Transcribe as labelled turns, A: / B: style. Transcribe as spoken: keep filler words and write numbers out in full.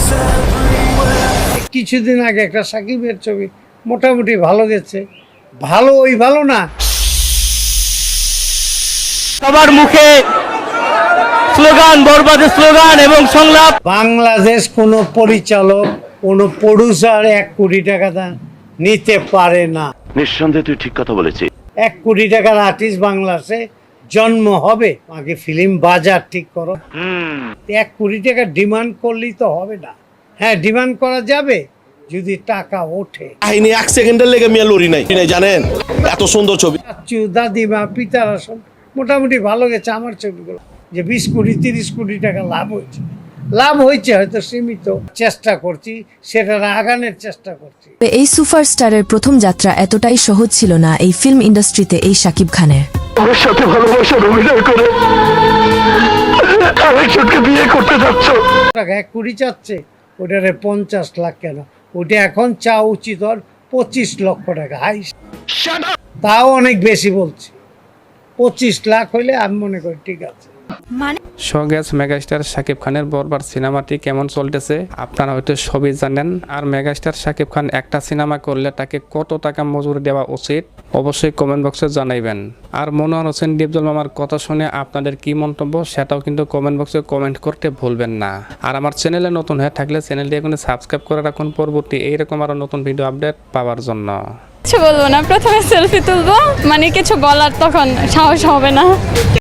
A: কিছুদিন আগে একটা সাকিবের ছবি মোটামুটি ভালো গেছে, ভালো ওই ভালো না,
B: সবার মুখে স্লোগান, বরবাদের স্লোগান এবং সংলাপ।
A: বাংলাদেশ কোনো পরিচালক কোনো প্রডিউসার এক কোটি টাকা দাম নিতে পারে না।
C: নিঃসন্দেহে তুই ঠিক কথা বলেছিস।
A: এক কোটি টাকার আর্টিস্ট বাংলাদেশে জন্ম হবে, আগে ফিল্ম বাজার ঠিক করো। এক কোটি টাকা ডিমান্ড করলেই তো হবে না। হ্যাঁ, ডিমান্ড করা যাবে যদি টাকা ওঠে।
D: কাহিনী এক সেকেন্ডের লেগে মিয়া লড়ি নাই নাই জানেন, এত সুন্দর ছবি।
A: চাচু, দাদিমা, পিতারা সব মোটামুটি ভালো গেছে আমার ছবিগুলো। যে বিশ কোটি তিরিশ কোটি টাকা লাভ হয়েছে, লাভ হয়েছে হয়তো সীমিত, চেষ্টা করছি সেটা আগানোর চেষ্টা করছি।
E: এই সুপারস্টারের প্রথম যাত্রা এতটাই সহজ ছিল না এই ফিল্ম ইন্ডাস্ট্রিতে এই শাকিব খানের।
C: ওর সাথে ভালোবাসার অভিনয় করে আরেকজনকে বিয়ে করতে যাচ্ছ।
A: টাকা এক কোটি চাচ্ছে, ওটারে পঞ্চাশ লাখ কেন, ওটা এখন চা উচিত ওর পঁচিশ লক্ষ টাকা হাই, তাও অনেক বেশি বলছি। পঁচিশ লাখ হইলে আমি মনে করি ঠিক আছে।
F: শোগ্যাস মেগাস্টার শাকিব খানের বরবাদ সিনেমাটি কেমন চলতেছে আপনারা হয়তো সবই জানেন। আর মেগাস্টার শাকিব খান একটা সিনেমা করলে তাকে কত টাকা মজুরি দেওয়া উচিত অবশ্যই কমেন্ট বক্সে জানাইবেন। আর মনোয়ার হোসেন ডিপজল মামার কথা শুনে আপনাদের কি মন্তব্য সেটাও কিন্তু কমেন্ট বক্সে কমেন্ট করতে ভুলবেন না। আর আমার চ্যানেলে নতুন হয়ে থাকলে চ্যানেলটি এখন সাবস্ক্রাইব করে রাখুন পরবর্তী এইরকম আরও নতুন ভিডিও আপডেট পাওয়ার জন্য।
G: কিছু বলবো না, প্রথমে সেলফি তুলবো, মানে কিছু বলার তখন সাহস হবে না।